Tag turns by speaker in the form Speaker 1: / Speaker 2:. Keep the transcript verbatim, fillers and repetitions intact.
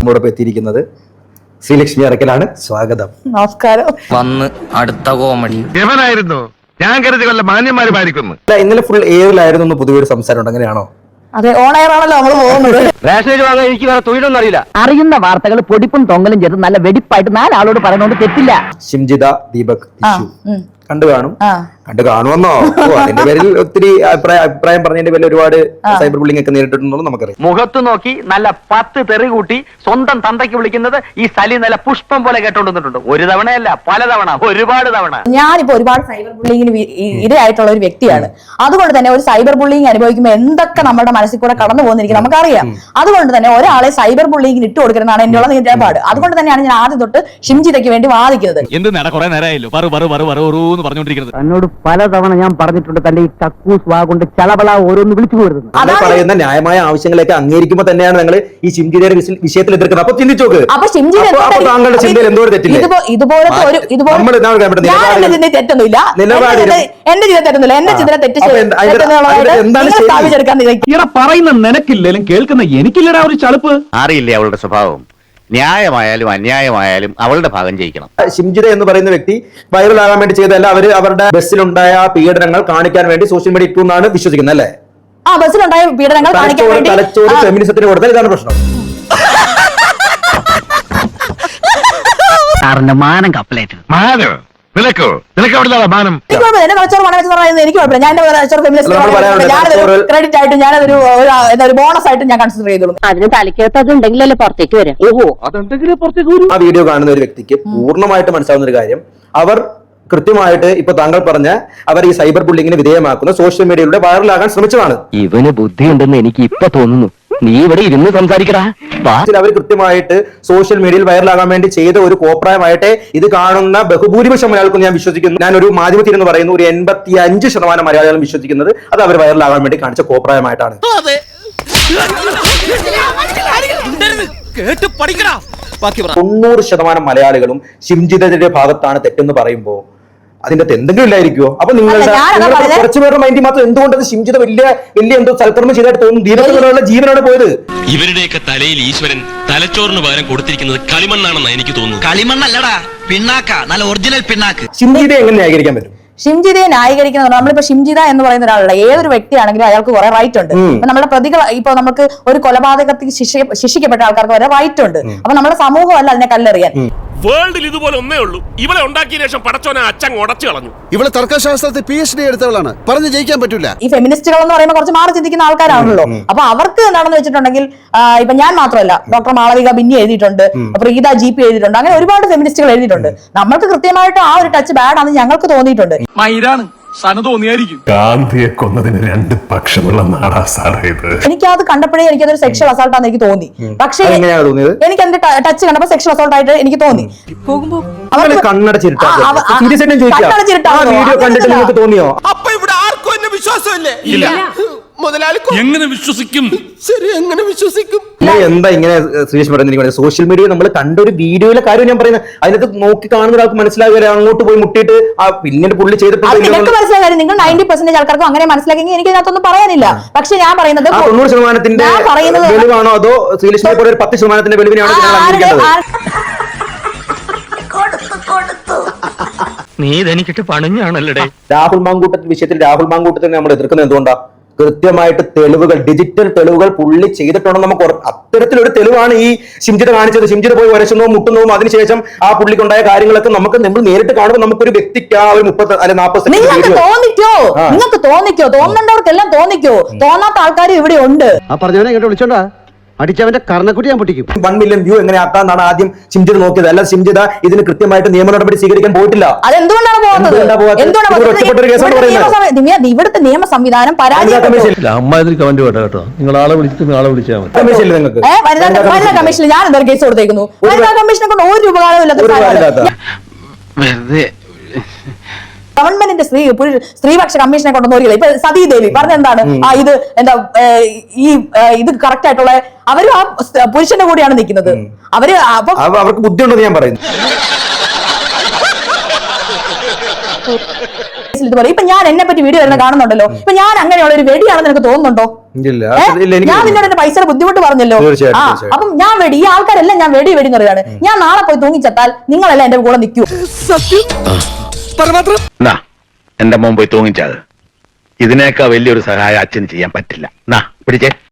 Speaker 1: നമ്മോടൊപ്പം എത്തിയിരിക്കുന്നത് ശ്രീലക്ഷ്മി അറക്കലാണ്. സ്വാഗതം.
Speaker 2: നമസ്കാരം.
Speaker 3: വന്ന് അടുത്ത കോമഡി
Speaker 4: എവനായിരുന്നു ഞാൻ കരുതി കൊല്ല മാന്യന്മാരുമായിരിക്കുന്നു.
Speaker 1: ഇന്നലെ ഫുൾ എയറിലായിരുന്നു പൊതുവെ സംസാരം ഉണ്ട്, അങ്ങനെയാണോ?
Speaker 2: അതെ, ഓൺ എയർ ആണല്ലോ നമ്മൾ പോകുന്നത്.
Speaker 3: റേഷനേജ് വാങ്ങാൻ എനിക്ക് വേറെ തൊഴിലൊന്നും അറിയില്ല. അറിയുന്ന വാർത്തകൾ പൊടിപ്പും തൊങ്ങലും ചേർത്ത് നല്ല വെടിപ്പായിട്ട് നാലാളോട് പറയുന്നോണ്ട് തെറ്റില്ല.
Speaker 1: ഷിംജിത ദീപക് കണ്ടു കാണും, കണ്ടു കാണുമെന്നോ? അതിന്റെ പേരിൽ ഒത്തിരി അഭിപ്രായം അഭിപ്രായം പറഞ്ഞതിന്റെ പേരിൽ ഒരുപാട് സൈബർ ബുള്ളിംഗ് ഒക്കെ നേരിട്ടിട്ടുണ്ടോ നമുക്കറിയാം.
Speaker 3: മുഖത്ത് നോക്കി നല്ല പത്ത് തെറി കൂട്ടി സ്വന്തം തന്തയ്ക്ക് വിളിക്കുന്നത് ഈ സലി നല്ല പുഷ്പം പോലെ കേട്ടോണ്ടിട്ടുണ്ട്. ഒരു തവണയല്ല, പലതവണ, ഒരുപാട് തവണ.
Speaker 2: ഞാനിപ്പോ ഒരുപാട് സൈബർ ബുള്ളിങ്ങിന് ഇരയായിട്ടുള്ള ഒരു വ്യക്തിയാണ്. അതുകൊണ്ട് തന്നെ ഒരു സൈബർ ബുള്ളിങ് അനുഭവിക്കുമ്പോൾ എന്തൊക്കെ നമ്മുടെ മനസ്സിൽ കൂടെ കടന്നു പോകുന്നിരിക്കും നമുക്കറിയാം. അതുകൊണ്ട് തന്നെ ഒരാളെ സൈബർ ബുള്ളിങ്ങിന് ഇട്ട് കൊടുക്കുന്നതാണ് എന്നുള്ള നിലപാട്. അതുകൊണ്ട് തന്നെയാണ് ഞാൻ ആദ്യം തൊട്ട് ഷിംജിതയ്ക്ക് വേണ്ടി വാദിക്കുന്നത്.
Speaker 3: എന്നോട് പലതവണ ഞാൻ പറഞ്ഞിട്ടുണ്ട് തന്റെ ഈ കക്കൂസ് വാ കൊണ്ട് ചളവള ഓരോന്ന് വിളിച്ചു പോരുന്നത്.
Speaker 1: അത് പറയുന്ന ന്യായമായ ആവശ്യങ്ങളൊക്കെ അംഗീകരിക്കുമ്പോൾ തന്നെയാണ് നിങ്ങൾ ഈ ഷിംജിതയുടെ വിഷയത്തിൽ എതിർക്കുന്നത്. അപ്പൊ ചിന്തിച്ചോക്ക്,
Speaker 2: അപ്പൊ
Speaker 1: താങ്കളുടെ ചിന്തയിൽ എന്തോ തെറ്റില്ല.
Speaker 2: ഇതുപോലത്തെ ഒരു തെറ്റൊന്നുമില്ല, എന്റെ ചിന്ത തെറ്റുന്നില്ല. എന്റെ ചിന്ത തെറ്റ്
Speaker 5: പറയുന്ന നിനക്കില്ലേലും കേൾക്കുന്ന എനിക്കില്ലടാ ഒരു ചളുപ്പ്.
Speaker 4: അറിയില്ലേ അവളുടെ സ്വഭാവം? ന്യായമായാലും അന്യായമായാലും അവളുടെ ഭാഗം ജയിക്കണം.
Speaker 1: ഷിംജിത എന്ന് പറയുന്ന വ്യക്തി വൈറലാകാൻ വേണ്ടി ചെയ്തതല്ല, അവര് അവരുടെ ബസ്സിലുണ്ടായ പീഡനങ്ങൾ കാണിക്കാൻ വേണ്ടി സോഷ്യൽ മീഡിയ ഇട്ടു എന്നാണ് വിശ്വസിക്കുന്നത് അല്ലേ?
Speaker 2: ആ ബസ്സിലുണ്ടായ പീഡനങ്ങൾ കാണിക്കാൻ വേണ്ടി
Speaker 1: തലച്ചോറ് ഫെമിനിസത്തിന് കൊടുത്താൽ ഇതാണ് പ്രശ്നം.
Speaker 3: സാറിന്റെ മാനം കപ്പലേറ്റ്
Speaker 4: മാനോ നിനക്കോ നിനക്ക് അവിടെ മാനം.
Speaker 2: എന്റെ തലച്ചോറ് മണം വെച്ച് പറയുന്നത് എനിക്ക് കുഴപ്പമില്ല. ഞാൻ ക്രെഡിറ്റ് ആയിട്ട് ഞാനതൊരു ഒരു ബോണസ് ആയിട്ട് ഞാൻ കൺസിഡർ ചെയ്തോളൂ.
Speaker 6: അതിന് തലയ്ക്കകത്ത് അത് ഉണ്ടെങ്കിലല്ലേ പുറത്തേക്ക് വരാം.
Speaker 3: ഓഹോ, അതെന്തെങ്കിലും പുറത്തേക്ക് വരും.
Speaker 1: ആ വീഡിയോ കാണുന്ന ഒരു വ്യക്തിക്ക് പൂർണ്ണമായിട്ട് മനസ്സിലാവുന്ന ഒരു കാര്യം, അവർ കൃത്യമായിട്ട് ഇപ്പൊ താങ്കൾ പറഞ്ഞ അവർ ഈ സൈബർ ബുള്ളിങ്ങിന് വിധേയമാക്കുന്ന സോഷ്യൽ മീഡിയയിലൂടെ വൈറലാകാൻ ശ്രമിച്ചതാണ്.
Speaker 3: ഇവന് ബുദ്ധിയുണ്ടെന്ന് എനിക്ക് ഇപ്പൊ തോന്നുന്നു. നീ ഇവിടെ ഇരുന്ന് സംസാരിക്കടാ.
Speaker 1: അവർ കൃത്യമായിട്ട് സോഷ്യൽ മീഡിയയിൽ വൈറലാകാൻ വേണ്ടി ചെയ്ത ഒരു കോപ്രായമായിട്ട് ഇത് കാണുന്ന ബഹുഭൂരിപക്ഷം മലയാളികൾക്കും ഞാൻ വിശ്വസിക്കുന്നു. ഞാൻ ഒരു മാധ്യമത്തിൽ എന്ന് പറയുന്നു, ഒരു എൺപത്തി അഞ്ച് ശതമാനം മലയാളികളും വിശ്വസിക്കുന്നത് അത് അവർ വൈറലാകാൻ വേണ്ടി കാണിച്ച കോപ്രായമായിട്ടാണ്. തൊണ്ണൂറ് ശതമാനം മലയാളികളും ഷിംജിതയുടെ ഭാഗത്താണ് തെറ്റെന്ന് പറയുമ്പോൾ അതിന്റെ എന്തെങ്കിലും ഇല്ലായിരിക്കുമോ? അപ്പൊ നിങ്ങളുടെ കുറച്ചു പേരുടെ മൈൻഡിൽ മാത്രം എന്തുകൊണ്ട് ഷിംജിത വലിയ വലിയ എന്തോ സൽക്കർമ്മം ചെയ്തായിട്ട് തോന്നുന്നു? ദീപത്തിനുള്ള ജീവനാണ് പോയത്.
Speaker 7: ഇവരുടെയൊക്കെ തലയിൽ ഈശ്വരൻ തലച്ചോറിന് പകരം കൊടുത്തിരിക്കുന്നത് കളിമണ്ണാണെന്നാണ് എനിക്ക് തോന്നുന്നത്.
Speaker 8: കളിമണ്ണല്ലടാ, പിണ്ണാക്ക, നല്ല ഒറിജിനൽ പിണ്ണാക്ക്.
Speaker 1: ഷിംജിത എങ്ങനെ ന്യായീകരിക്കാൻ പറ്റും?
Speaker 2: ഷിംജിതയെ ന്യായീകരിക്കുന്നത് നമ്മളിപ്പോ ഷിംജിത എന്ന് പറയുന്ന ഒരാളുടെ ഏതൊരു വ്യക്തിയാണെങ്കിലും അയാൾക്ക് കുറെ റൈറ്റ് ഉണ്ട്. ഇപ്പൊ നമ്മുടെ പ്രതികൾ ഇപ്പൊ നമുക്ക് ഒരു കൊലപാതകത്തിൽ ശിക്ഷ ശിക്ഷിക്കപ്പെട്ട ആൾക്കാർക്ക് വരെ റൈറ്റ് ഉണ്ട്. അപ്പൊ നമ്മുടെ സമൂഹമല്ല അതിനെ കല്ലെറിയാൻ.
Speaker 7: വേൾഡിൽ ഇതുപോലെ ഒന്നേ ഉള്ളൂ. ഇവളെ ഉണ്ടാക്കിയ ശേഷം പടച്ചോനെ അച്ഛൻ ഉടച്ചു കളഞ്ഞു.
Speaker 9: ഇവളെ തർക്കശാസ്ത്രത്തിൽ പി എച്ച് ഡി എടുത്തവളാണ്, പറഞ്ഞു ജയിക്കാൻ പറ്റില്ല.
Speaker 2: ഈ ഫെമിനിസ്റ്റുകൾ എന്ന് പറയുമ്പോൾ കുറച്ച് മാറി ചിന്തിക്കുന്ന ആൾക്കാരാണല്ലോ. അപ്പൊ അവർക്ക് എന്താണെന്ന് വെച്ചിട്ടുണ്ടെങ്കിൽ ഇപ്പൊ ഞാൻ മാത്രമല്ല, ഡോക്ടർ മാളവിക ബിന്നി എഴുതിയിട്ടുണ്ട്, പ്രീത ജി പി എഴുതിയിട്ടുണ്ട്, അങ്ങനെ ഒരുപാട് ഫെമിനിസ്റ്റുകൾ എഴുതിയിട്ടുണ്ട്. നമ്മൾക്ക് കൃത്യമായിട്ട് ആ ഒരു ടച്ച് ബാഡ് ആണെന്ന് ഞങ്ങൾക്ക് തോന്നിയിട്ടുണ്ട്.
Speaker 10: ഗാന്ധിയെ കൊന്നതിന് രണ്ട് പക്ഷമുള്ള നാടാ സാറേ ഇത്.
Speaker 2: എനിക്കത് കണ്ടപ്പോഴേ എനിക്കതൊരു സെക്ഷൽ അസോൾട്ട് ആണെന്ന് എനിക്ക് തോന്നി. പക്ഷേ എനിക്ക് എന്റെ ടച്ച് കണ്ടപ്പോ സെക്ഷൽ അസോൾട്ട് ആയിട്ട് എനിക്ക് തോന്നി.
Speaker 1: തോന്നിയോ?
Speaker 8: അപ്പൊ ഇവിടെ ആർക്കും എന്നെ വിശ്വാസമില്ലേ?
Speaker 7: എങ്ങനെ വിശ്വസിക്കും?
Speaker 8: ശരി, എങ്ങനെ വിശ്വസിക്കും?
Speaker 1: എന്താ ഇങ്ങനെ ശ്രീഷ് പറയുന്നത്? സോഷ്യൽ മീഡിയ നമ്മൾ കണ്ട ഒരു വീഡിയോയിലെ കാര്യം ഞാൻ പറയുന്നത്, അതിനകത്ത് നോക്കി കാണുന്ന ഒരാൾക്ക് മനസ്സിലാകില്ല. അങ്ങോട്ട് പോയി മുട്ടിയിട്ട് ആ പിന്നീട് പുള്ളി ചെയ്തിട്ടുണ്ട്.
Speaker 2: മനസ്സിലാകാൻ നിങ്ങൾ നയൻറ്റി പെർസെന്റേജ് ആൾക്കാർക്കും അങ്ങനെ മനസ്സിലാക്കി എനിക്ക് ഇതിനകത്തൊന്നും പറയാനില്ല. പക്ഷെ ഞാൻ പറയുന്നത്
Speaker 1: തൊണ്ണൂറ് ശതമാനത്തിന്റെ വെളിവാണോ അതോ ശ്രീലക്ഷ്മിയെ പോലെ ഒരു പത്ത് ശതമാനത്തിന്റെ വെളിവിനാണോ?
Speaker 3: നീ ഇതെനിക്കിട്ട് പണിഞ്ഞാണല്ലേ.
Speaker 1: രാഹുൽ മാങ്കൂട്ടത്തിന്റെ വിഷയത്തിൽ രാഹുൽ മാങ്കൂട്ടത്തിനെ നമ്മൾ എതിർക്കുന്നത് എന്തുകൊണ്ടാ? കൃത്യമായിട്ട് തെളിവുകൾ, ഡിജിറ്റൽ തെളിവുകൾ പുള്ളി ചെയ്തിട്ടുണ്ടോ? നമുക്ക് അത്തരത്തിലൊരു തെളിവാണ് ഈ ഷിംജിത കാണിച്ചത്. ഷിംജിത പോയി വരച്ചുന്നതും മുട്ടുന്നതും അതിനുശേഷം ആ പുള്ളിക്കുണ്ടായ കാര്യങ്ങളൊക്കെ നമുക്ക് നമ്മൾ നേരിട്ട് കാണുമ്പോൾ നമുക്കൊരു വ്യക്തിക്ക് ആ ഒരു മുപ്പത്തി അല്ലെ നാൽപ്പത്
Speaker 2: നിങ്ങൾക്ക് തോന്നിക്കോ നിങ്ങൾക്ക് തോന്നിക്കോ തോന്നേണ്ടവർക്കെല്ലാം തോന്നിക്കോ. തോന്നാത്ത ആൾക്കാരും ഇവിടെ ഉണ്ട്.
Speaker 9: ആ പറഞ്ഞവനെ ഇങ്ങോട്ട് വിളിച്ചോണ്ടാ അടിച്ചവന്റെ കർണക്കുട്ടി ഞാൻ പൊട്ടിക്കും.
Speaker 1: വൺ മില്യൺ വ്യൂ എങ്ങനെ ആക്കാന്നാണ് ആദ്യം ഷിംജിത നോക്കിയത്. അല്ല, ഷിംജിത ഇതിന് കൃത്യമായിട്ട് നിയമ നടപടി സ്വീകരിക്കാൻ പോയിട്ടില്ല.
Speaker 2: അതെന്തുകൊണ്ടാണ് പോകുന്നത്? ഇവിടുത്തെ നിയമ സംവിധാനം കമ്മീഷനിൽ ഞാൻ എന്താ കേസ് കൊടുത്തേക്കുന്നു? വനിതാ കമ്മീഷനെ കൊണ്ട് ഒരു ഉപകാരമില്ലാത്ത ഗവൺമെന്റിന്റെ സ്ത്രീ സ്ത്രീപക്ഷ കമ്മീഷനെ കൊണ്ടുവന്നില്ല. ഇപ്പൊ സതീ ദേവി പറഞ്ഞെന്താണ്? ആ ഇത് എന്താ ഈ ഇത് കറക്റ്റ് ആയിട്ടുള്ള അവരും ആ പുരുഷന്റെ കൂടെയാണ് നിൽക്കുന്നത്. അവര്
Speaker 1: അവർക്ക് ബുദ്ധിയുണ്ടെന്ന് ഞാൻ പറയുന്നു.
Speaker 2: ഇതുപോലെ ഇപ്പൊ ഞാൻ എന്നെ പറ്റി വീഡിയോ വരുന്ന കാണുന്നുണ്ടല്ലോ, ഇപ്പൊ ഞാൻ അങ്ങനെയുള്ള ഒരു വെടിയാണെന്ന് നിനക്ക് തോന്നുന്നുണ്ടോ?
Speaker 1: ഇല്ല,
Speaker 2: ഏ?
Speaker 1: അത് ഇല്ല, എനിക്ക്
Speaker 2: ഞാൻ നിന്നോട് എന്റെ പൈസയുടെ ബുദ്ധിമുട്ട് പറഞ്ഞല്ലോ.
Speaker 1: തീർച്ചയായിട്ടും,
Speaker 2: ആ
Speaker 1: തീർച്ചയായിട്ടും.
Speaker 2: അപ്പം ഞാൻ വെടി, ഈ ആൾക്കാരെല്ലാം ഞാൻ വെടി വെടി എന്ന് പറയാണ്. ഞാൻ നാളെ പോയി തൂങ്ങിച്ചത്താൽ നിങ്ങളെല്ലാം എന്റെ കൂടെ നിൽക്കൂ.
Speaker 4: നാ എന്റെ മോൻ പോയി തൂങ്ങിച്ചത് ഇതിനേക്കാൾ വലിയൊരു സഹായം അച്ഛന് ചെയ്യാൻ പറ്റില്ല. നാ പിടിച്ചേ.